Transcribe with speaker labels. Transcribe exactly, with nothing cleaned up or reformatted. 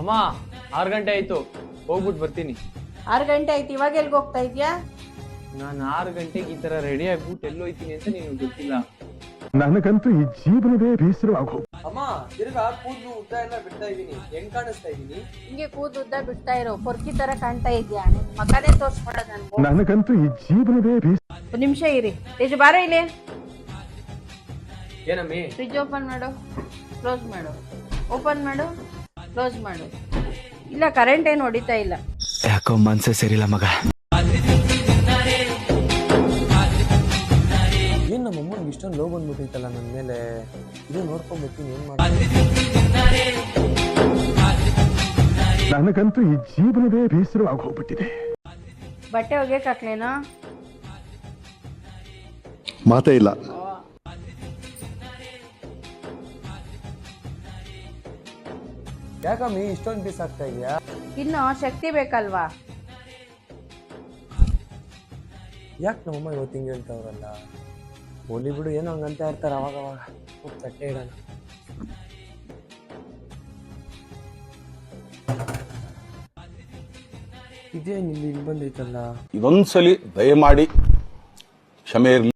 Speaker 1: ಅಮ್ಮ ಆರು ಗಂಟೆ ಆಯ್ತು, ಹೋಗ್ಬಿಟ್ಟು ಬರ್ತೀನಿ.
Speaker 2: ಆರು ಗಂಟೆ ಆಯ್ತು, ಇವಾಗ ಎಲ್ಗೆ ಹೋಗ್ತಾ ಇದ್ಯಾ?
Speaker 1: ನಾನು ಆರು ಗಂಟೆಗೆ ಈ ತರ ರೆಡಿ ಆಗ್ಬಿಟ್ಟು ಎಲ್ಲೋಯ್ತೀನಿ ಅಂತ ನಿನಗೆ ಗೊತ್ತಿಲ್ಲ.
Speaker 3: ನನಗಂತೂ ಈ ಜೀವನವೇ ಬೇಸರವಾಗೋ.
Speaker 1: ಅಮ್ಮ ತಿರ್ಗಾ ಕೂದಲು ಉದ್ದ ಎಲ್ಲ ಬಿಡ್ತಾ ಇದೀನಿ, ಹೆಂಗ್ ಕಾಣಿಸ್ತಾ ಇದೀನಿ?
Speaker 2: ಹಿಂಗೆ ಕೂದಲು ಉದ್ದ ಬಿಡ್ತಾ ಇರೋ, ಪೊರ್ಕಿ ತರ ಕಾಣ್ತಾ ಇದ್ಯಾ? ಮಗನೇ ತೋರ್ಸ್ಕೊಡೋದು ನನ್ಗೆ.
Speaker 3: ನನಗಂತೂ ಈ ಜೀವನವೇ ಬೇಸ.
Speaker 2: ಒಂದು ನಿಮಿಷ ಇರಿ, ತೇಜು ಬಾರ ಇಲ್ಲಿ.
Speaker 1: ಏನಮ್ಮಿ?
Speaker 2: ಫ್ರಿಜ್ ಓಪನ್ ಮಾಡು, ಕ್ಲೋಸ್ ಮಾಡು, ಓಪನ್ ಮಾಡು, ಕ್ಲೋಸ್ ಮಾಡು. ಇಲ್ಲ ಕರೆಂಟ್ ಏನು ಹೊಡಿತಾ ಇಲ್ಲ.
Speaker 4: ಯಾಕೋ ಮನ್ಸೇ ಸರಿಲ್ಲ ಮಗ.
Speaker 1: ಏನ್ ನಮ್ಮ ಅಮ್ಮನಿಗೆ ಇಷ್ಟೊಂದು ಲೋ ಬಂದ್ಬಿಟ್ಟೈತಲ್ಲ ನನ್ನ ಮೇಲೆ. ಇದು ನೋಡ್ಕೊಂಡ್ಬಿಡ್ತೀನಿ, ಏನ್ ಮಾಡ.
Speaker 3: ನನಗಂತೂ ಈ ಜೀವನವೇ ಬೇಸರವಾಗಿ ಹೋಗ್ಬಿಟ್ಟಿದೆ.
Speaker 2: ಬಟ್ಟೆ ಒಗೆಯಕ್ ಹಾಕ್ಲೇನೋ?
Speaker 3: ಮಾತೇ ಇಲ್ಲ.
Speaker 1: ಯಾಕಮ್ಮಿ ಇಷ್ಟೊಂದು ಪೀಸ್ ಆಗ್ತಾ ಇದೆಯಾ?
Speaker 2: ಇನ್ನು ಶಕ್ತಿ ಬೇಕಲ್ವಾ?
Speaker 1: ಯಾಕೆ ನಮ್ಮಮ್ಮ ಇವತ್ತು ಹಿಂಗೆ ಹೇಳ್ತಾವ್ರಲ್ಲ? ಹೋಲಿ ಬಿಡು, ಏನೋ ಹಂಗಂತ ಇರ್ತಾರೆ ಅವಾಗ ಅವಾಗ. ಹೋಗಿ ತಟ್ಟೆ ಇಡೋಣ. ಇದೇನು ಇಲ್ಲಿ ಇಲ್ಲಿ ಬಂದೈತಲ್ಲ?
Speaker 5: ಇದೊಂದ್ಸಲಿ ದಯಮಾಡಿ ಕ್ಷಮೆ ಇರಲಿ.